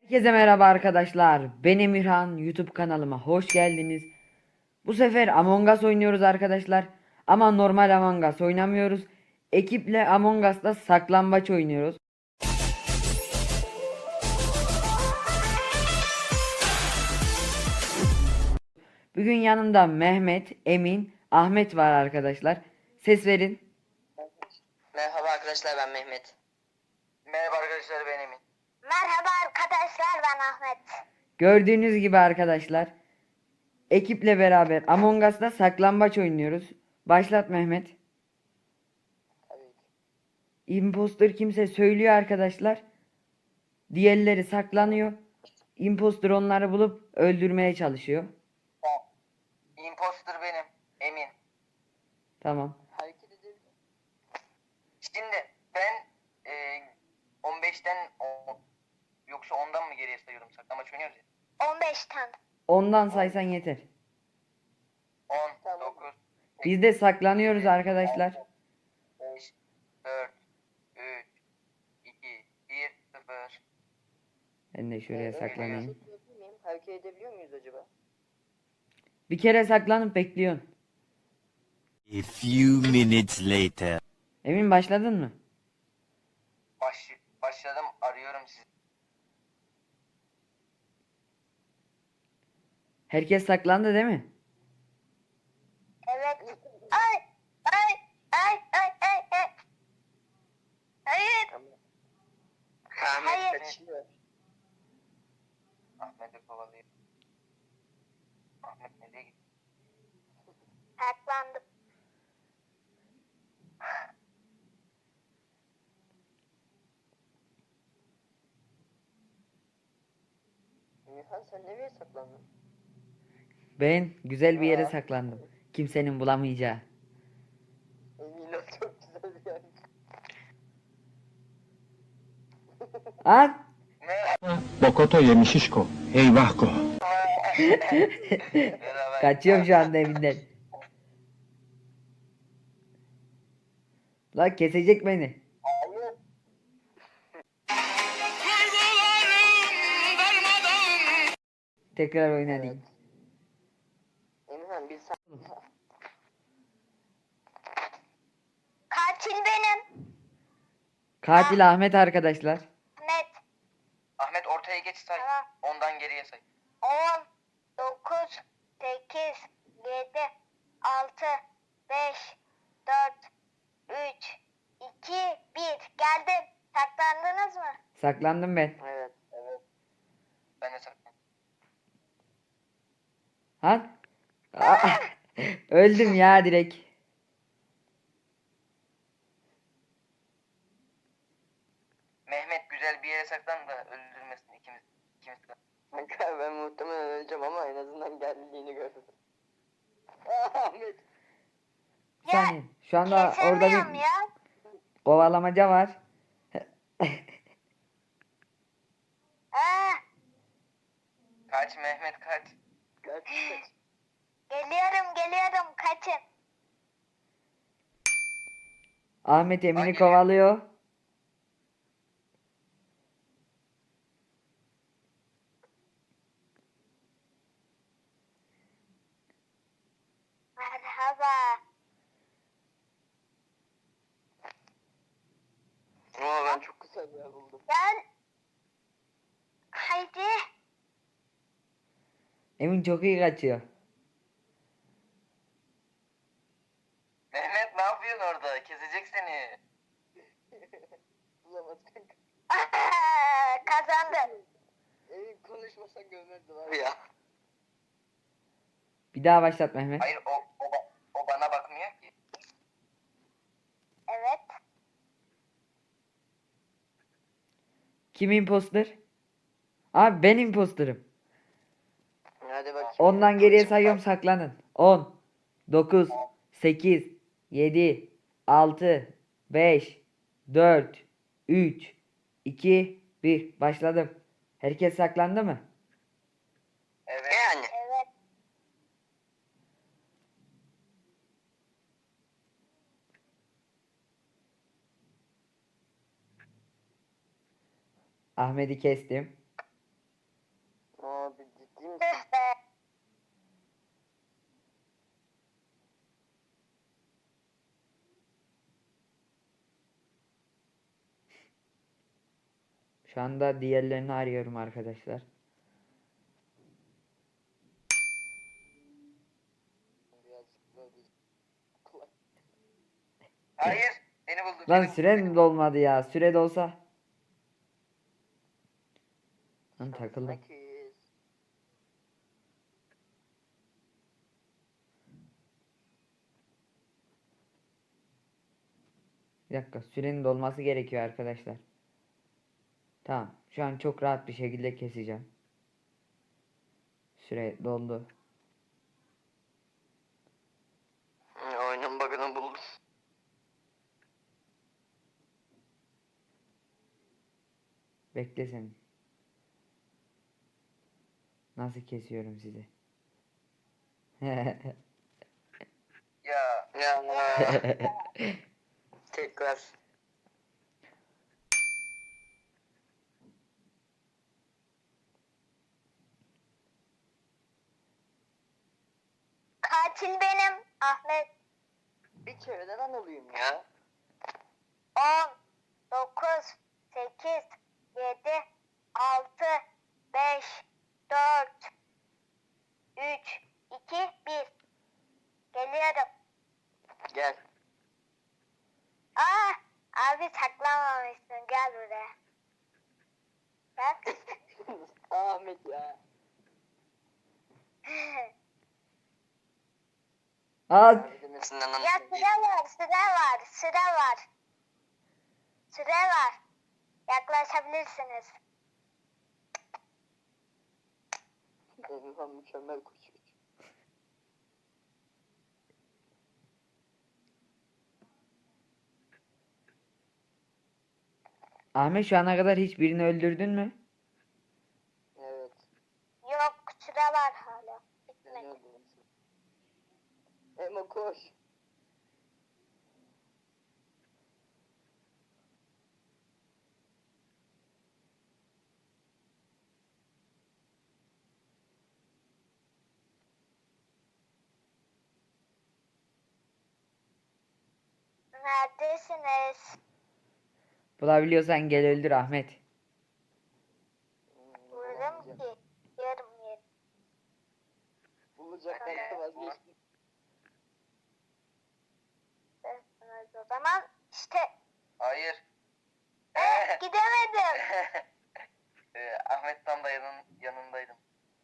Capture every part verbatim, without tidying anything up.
Herkese merhaba arkadaşlar. Ben Emirhan. YouTube kanalıma hoş geldiniz. Bu sefer Among Us oynuyoruz arkadaşlar. Ama normal Among Us oynamıyoruz. Ekiple Among Us'ta saklambaç oynuyoruz. Bugün yanımda Mehmet, Emin, Ahmet var arkadaşlar. Ses verin. Merhaba arkadaşlar, ben Mehmet. Merhaba arkadaşlar, ben Emin. Merhaba arkadaşlar, ben Ahmet. Gördüğünüz gibi arkadaşlar. Ekiple beraber Among Us'ta saklambaç oynuyoruz. Başlat Mehmet. Tabii ki. Imposter kimse söylüyor arkadaşlar. Diğerleri saklanıyor. Imposter onları bulup öldürmeye çalışıyor. O, imposter benim, Emin. Tamam. Hareket edelim. Şimdi ben e, on beşten o, yoksa ondan mı geriye sayıyorum? Saklamaç oynuyoruz ya. on beşten. Ondan saysan yeter. on, dokuz, Biz de saklanıyoruz arkadaşlar. beş, dört, üç, iki, bir, sıfır. Ben de şuraya saklanayım. Hareket edebiliyor muyuz acaba? Bir kere saklanıp bekliyorsun. A few minutes later. Emin başladın mı? Baş, başladım, arıyorum sizi. Herkes saklandı değil mi? Evet. Ay, ay, ay, ay, ay, ay. Hayır. Ahmet Hayır. kaçıyor. Ahmet'i kovalıyor. Ahmet nereye gitti? Saklandım. Emirhan, sen nereye saklandın? Ben güzel bir yere Aa. saklandım. Kimsenin bulamayacağı. Emin ol, çok güzel bir yer. At! Bokoto yemişişko. Eyvahko. Kaçıyorum şu anda evinden. La kesecek beni. Tekrar oynayayım. Emirhan, bir Katil benim. Katil Ahmet arkadaşlar. Ahmet. Ahmet, ortaya geç say. Tamam. Ondan geriye say. on, dokuz, sekiz, yedi, altı, beş, dört, üç, iki, bir. Geldim. Saklandınız mı? Saklandım ben. Evet. Evet. Ben de saklandım. Ha? Aa, öldüm ya direkt. Mehmet, güzel bir yere saklan da öldürmesin ikimiz. İkimiz de. Kanka, ben muhtemelen öleceğim ama en azından geldiğini gördüm. Ahmet. Bir saniye. Şu anda orada Kesemiyorum bir ya. kovalamaca var. Aa, Kaç Mehmet, kaç. Kaç, kaç. geliyorum, geliyorum. Kaçın. Ahmet Emin'i Hangi- kovalıyor. Merhaba. Oo, ben çok güzel bir yer buldum. Gel. Haydi. Emin çok iyi kaçıyor. Mehmet, ne yapıyorsun orada? Kesecek seni. Bulamaz kanka. Aa, kazandım. Emin konuşmasan gömerdi var ya. Bir daha başlat Mehmet. Hayır, o, o, ba- o bana bakmıyor ki. Evet. Kim imposter? Abi ben imposterım. Hadi bakayım. Ondan geriye sayıyorum, saklanın. on, dokuz, sekiz, yedi, altı, beş, dört, üç, iki, bir. Başladım. Herkes saklandı mı? Evet. Yani. Evet. Ahmet'i kestim. Tüh be. Şu anda diğerlerini arıyorum arkadaşlar. Birazcık böyle kolay. Hayır. Beni buldu. Lan beni buldu, süren beni buldu. dolmadı ya. Süre dolsa. Lan takıldım. Sekiz. Bir dakika, sürenin dolması gerekiyor arkadaşlar. Tamam. Şu an çok rahat bir şekilde keseceğim. Süre doldu. Hı, Oyunun bug'ını buldum. Bekle sen. Nasıl kesiyorum sizi? Ya. Ya. Tekrar. Katil benim Ahmet. Bir kere de ben olayım ya. on, dokuz, sekiz, yedi, altı, beş, dört, üç, iki, bir. Geliyorum. Gel. Aa, abi saklanmamışsın. Gel buraya. Bak. Ahmet ya. Al. Abi demesinden Ya anladım. süre var, süre var, süre var. Süre var. Yaklaşabilirsiniz. Emirhan mükemmel koşuyor. Ahmet, şu ana kadar hiçbirini öldürdün mü? Evet. Yok, süre var hala. Ben Bitmedi. öldüm. Emo koş. Neredesiniz? Bulabiliyorsan gel öldür Ahmet. Hmm, Buldum bulamayacağım. ki. Yarım yerim. Bulacaktan da vazgeçtim. O zaman işte Hayır. eh, gidemedim. Ee, Ahmet tam da yanın, yanındaydım.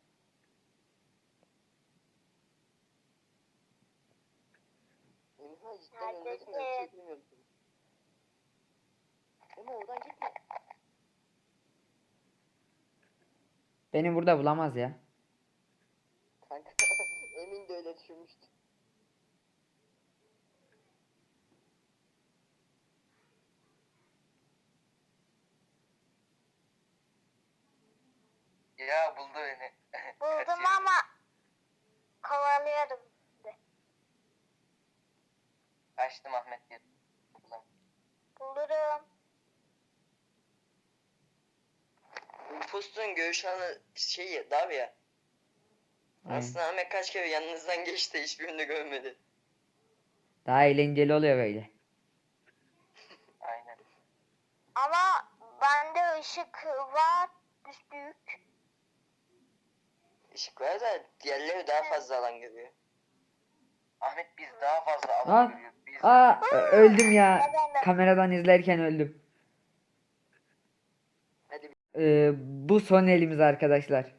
Emirhan cidden Neredesin? öndesin de bir şey bilmiyorum. Ama oradan gitme. Beni burada bulamaz ya. Kanka Emin de öyle düşünmüştü. Ya buldu beni. Buldum Kaçıyor. ama kovalıyorum. şimdi. Kaçtım Ahmet diye. Buldum. Bulurum. Impostun görüş alanı şey dar ya. Aynen. Aslında Ahmet kaç kere yanınızdan geçti hiçbirini görmedi. Daha eğlenceli oluyor böyle. Aynen. Ama bende ışık var. Büyük. Işık var da diğerleri daha fazla alan görüyor. Ahmet biz daha fazla Aa, alan görüyoruz. Biz aa, ö- öldüm ya. Kazandım. Kameradan izlerken öldüm. hadi Ee, bu son elimiz arkadaşlar.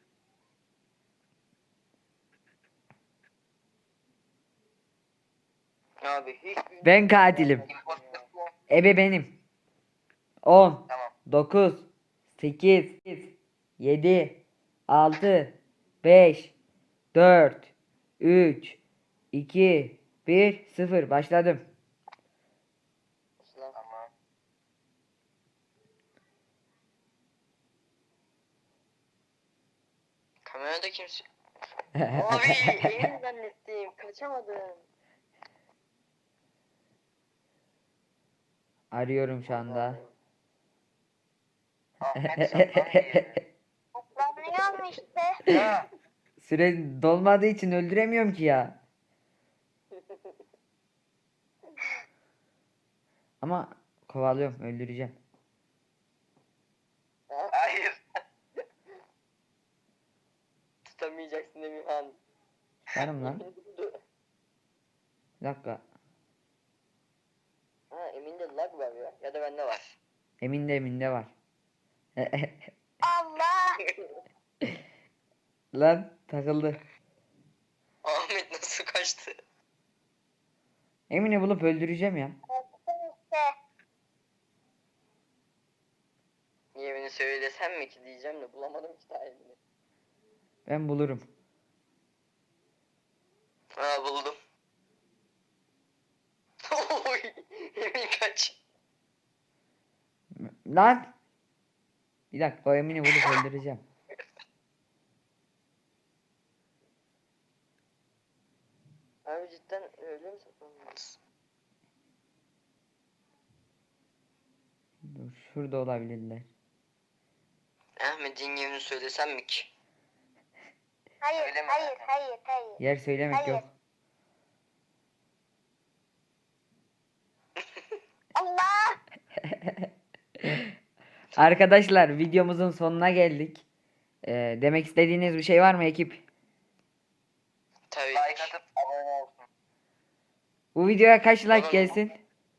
abi hiç Ben katilim. impostor Ebe benim. on, Tamam. dokuz, sekiz, yedi, altı, beş, dört, üç, iki, bir, sıfır. Başladım. Tamam. Kamerada kimse... Abi emin zannettim. Kaçamadım. Arıyorum şu anda. Ahmet saklanıyor. Saklanıyor Öldürdüm işte. Ya. Süre dolmadığı için öldüremiyorum ki ya. Ama kovalıyorum, öldüreceğim. Hayır. Tutamayacaksın Emirhan. Varım lan. Bir dakika. Ha Emin'de lag var ya. Ya da bende var. Eminde eminde var. Allah. Lan takıldı. Ahmet nasıl kaçtı? Emine bulup öldüreceğim ya. Öldürdüm işte. Niye beni söylesem mi ki diyeceğim de bulamadım ki tarihini. Ben bulurum. Ha buldum. Oy, Emin kaç. Lan! Bir dakika, o Emine bulup öldüreceğim. Abi cidden öyle mi saklanmalısın? Dur, şurada olabilirler. Ahmet'in yerini söylesem mi ki? Hayır, Söyleme hayır, zaten. hayır, hayır. Yer söylemek Hayır. yok. Allah. Arkadaşlar, videomuzun sonuna geldik. Ee, demek istediğiniz bir şey var mı ekip? Tabii. Like atıp abone olsun. Bu videoya kaç like Olur. gelsin?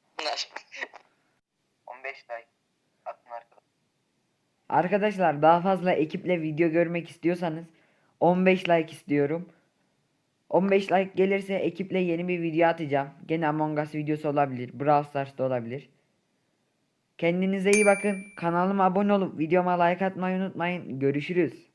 on beş like. Atın arkadaşlar. Arkadaşlar, daha fazla ekiple video görmek istiyorsanız on beş like istiyorum. on beş like gelirse ekiple yeni bir video atacağım. Gene Among Us videosu olabilir. Brawl Stars'ta olabilir. Kendinize iyi bakın. Kanalıma abone olup videoma like atmayı unutmayın. Görüşürüz.